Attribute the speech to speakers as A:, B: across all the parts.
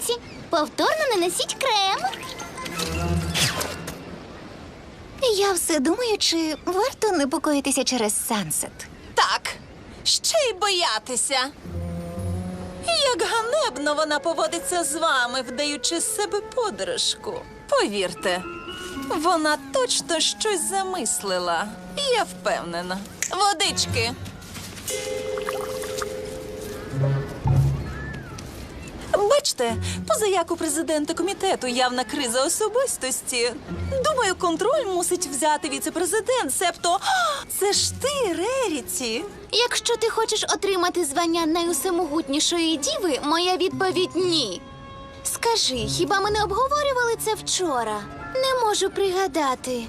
A: Тріксі, повторно нанесіть крем.
B: Я все думаю, чи варто непокоїтися через Сансет.
C: Так, ще й боятися. Як ганебно вона поводиться з вами, вдаючи з себе подружку. Повірте, вона точно щось замислила. Я впевнена. Водички. Бачте, позаяк у президента комітету явна криза особистості. Думаю, контроль мусить взяти віце-президент, себто... Це ж ти, Реріті.
A: Якщо ти хочеш отримати звання найусемогутнішої діви, моя відповідь – ні. Скажи, хіба ми не обговорювали це вчора? Не можу пригадати.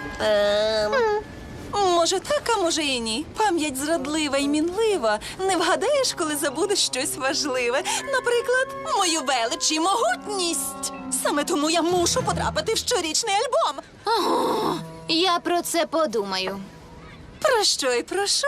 C: Може так, а може і ні. Пам'ять зрадлива і мінлива. Не вгадаєш, коли забудеш щось важливе. Наприклад, мою велич і могутність. Саме тому я мушу потрапити в щорічний альбом.
A: Я про це подумаю.
C: Про що й прошу.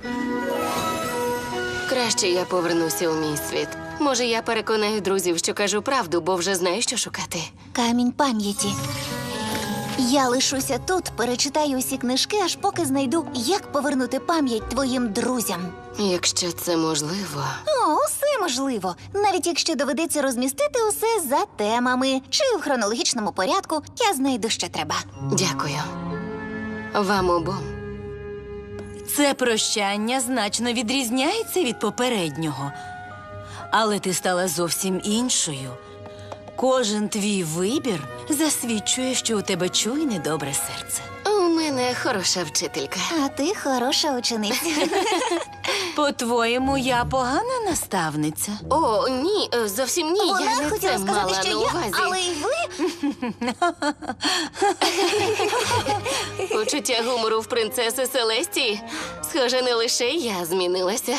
D: Краще я повернуся у мій світ. Може, я переконаю друзів, що кажу правду, бо вже знаю, що шукати.
B: Камінь пам'яті. Я лишуся тут, перечитаю усі книжки, аж поки знайду, як повернути пам'ять твоїм друзям.
D: Якщо це можливо.
B: О, усе можливо. Навіть якщо доведеться розмістити усе за темами чи в хронологічному порядку, я знайду, що треба.
D: Дякую. Вам обом.
E: Це прощання значно відрізняється від попереднього. Але ти стала зовсім іншою. Кожен твій вибір засвідчує, що у тебе чуйне добре серце.
D: У мене хороша вчителька.
B: А ти хороша учениця.
E: По-твоєму, я погана наставниця?
D: О, ні, зовсім ні.
B: Вона
D: я не
B: хотіла
D: це
B: сказати,
D: мала
B: що
D: на
B: я,
D: увазі.
B: але й ви.
D: Почуття гумору в принцеси Селестії. Схоже, не лише я змінилася.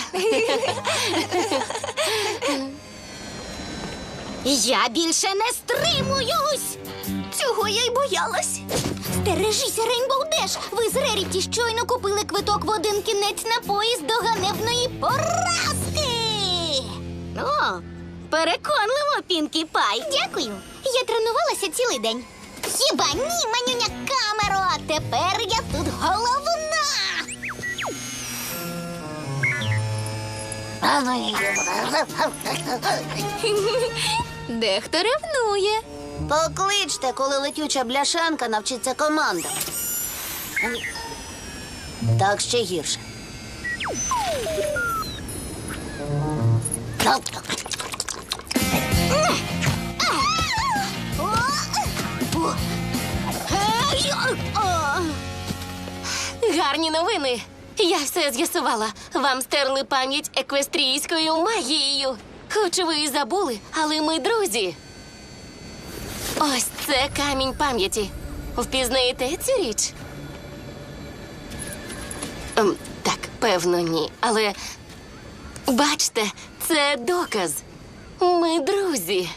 A: Я більше не стримуюсь!
B: Цього я й боялась.
A: Стережися, Рейнбоу Деш! Ви з Реріті щойно купили квиток в один кінець на поїзд до ганебної поразки! О, переконливо, Пінкі Пай! Дякую! Я тренувалася цілий день. Хіба ні, манюня камеро! Тепер я тут головна! Дехто ревнує.
B: Покличте, коли летюча бляшанка навчиться командам. Так ще гірше.
D: Гарні новини. Я все з'ясувала. Вам стерли пам'ять еквестрійською магією. Хоч ви і забули, але ми друзі. Ось це камінь пам'яті. Впізнаєте цю річ? Так, певно, ні. Але бачте, це доказ. Ми друзі.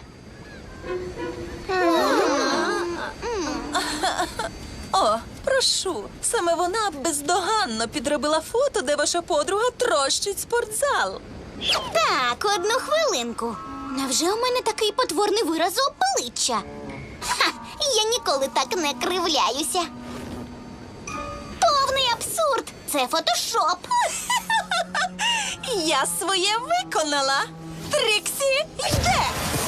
C: О, прошу. Саме вона бездоганно підробила фото, де ваша подруга трощить спортзал.
A: Так, одну хвилинку. Невже у мене такий потворний вираз обличчя? Ха, я ніколи так не кривляюся. Повний абсурд! Це фотошоп.
C: Я своє виконала. Тріксі йде.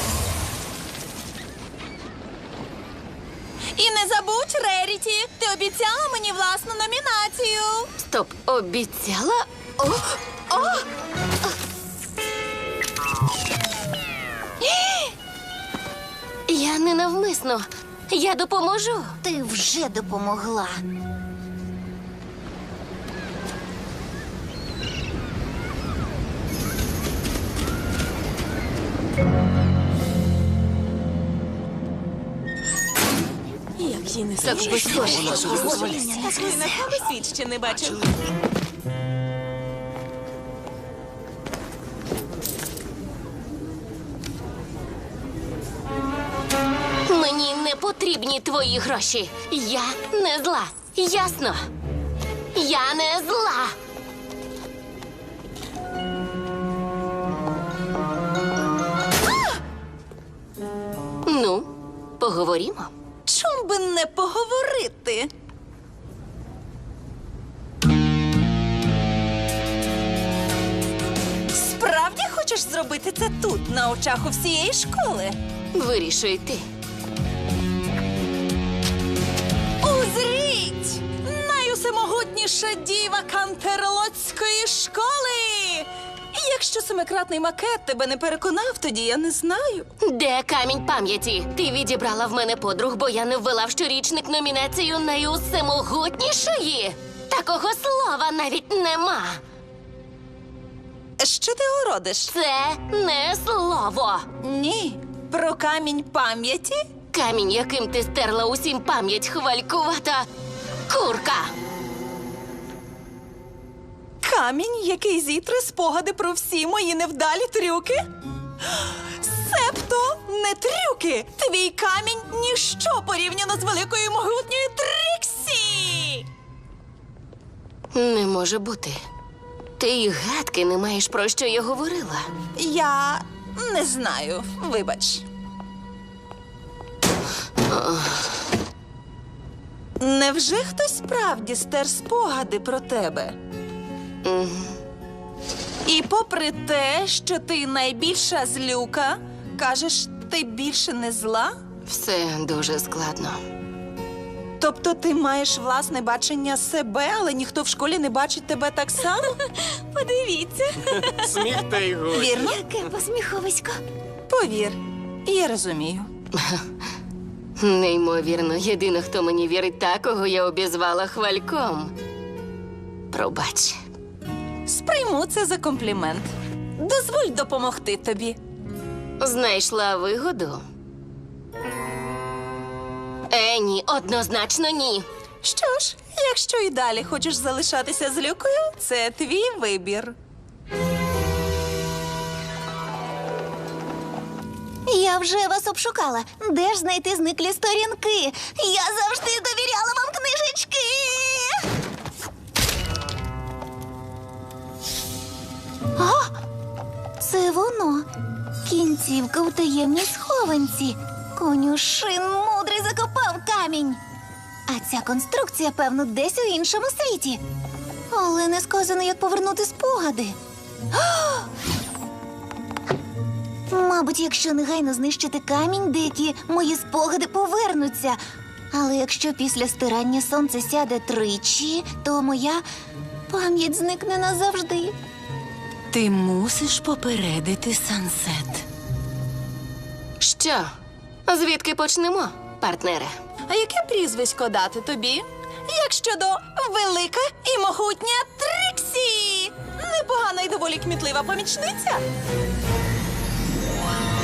C: І не забудь, Реріті, ти обіцяла мені власну номінацію.
D: Стоп, обіцяла? О! Я ненавмисно. Я допоможу.
B: Ти вже допомогла.
C: Як їй не
D: Так безсоромно.
C: Такої нахаби світ ще не бачив.
D: Мені не потрібні твої гроші. Я не зла. Ясно? Я не зла. Ну, поговоримо.
C: Чом би не поговорити? Справді хочеш зробити це тут, на очах у всієї школи?
D: Вирішуй ти.
C: Узріть! Найусемогутніша діва Кантерлоцької школи! Якщо семикратний макет тебе не переконав, тоді я не знаю.
D: Де камінь пам'яті? Ти відібрала в мене подруг, бо я не ввела в щорічник номінацію найусемогутнішої. Такого слова навіть нема.
C: Що ти городиш?
D: Це не слово.
C: Ні. Про камінь пам'яті?
D: Камінь, яким ти стерла усім пам'ять, хвалькувата курка.
C: Камінь, який зітре спогади про всі мої невдалі трюки? Себто не трюки! Твій камінь – ніщо порівняно з великою могутньою Тріксі!
D: Не може бути. Ти й гадки не маєш, про що я говорила.
C: Я не знаю, вибач. Невже хтось справді стер спогади про тебе? І попри те, що ти найбільша злюка, кажеш, ти більше не зла?
D: Все дуже складно.
C: Тобто ти маєш власне бачення себе, але ніхто в школі не бачить тебе так само? Подивіться.
F: Сміх та й годі.
C: Вірно?
B: Яке посміховисько.
C: Повір, я розумію.
D: Неймовірно, єдина, хто мені вірить, та, кого я обізвала хвальком. Пробач.
C: Сприйму це за комплімент. Дозволь допомогти тобі.
D: Знайшла вигоду? Ні, однозначно ні.
C: Що ж, якщо і далі хочеш залишатися злюкою, це твій вибір.
B: Я вже вас обшукала. Де ж знайти зниклі сторінки? Я завжди довіряла вам книжечки. А! Це воно. Кінцівка у таємній схованці. Конюшин мудрий закопав камінь. А ця конструкція, певно, десь у іншому світі. Але не сказано, як повернути спогади. Мабуть, якщо негайно знищити камінь, деякі мої спогади повернуться. Але якщо після стирання сонце сяде тричі, то моя пам'ять зникне назавжди.
E: Ти мусиш попередити Сансет.
D: Що? Звідки почнемо, партнере?
C: А яке прізвисько дати тобі? Як щодо велика і могутня Тріксі? Непогана і доволі кмітлива помічниця.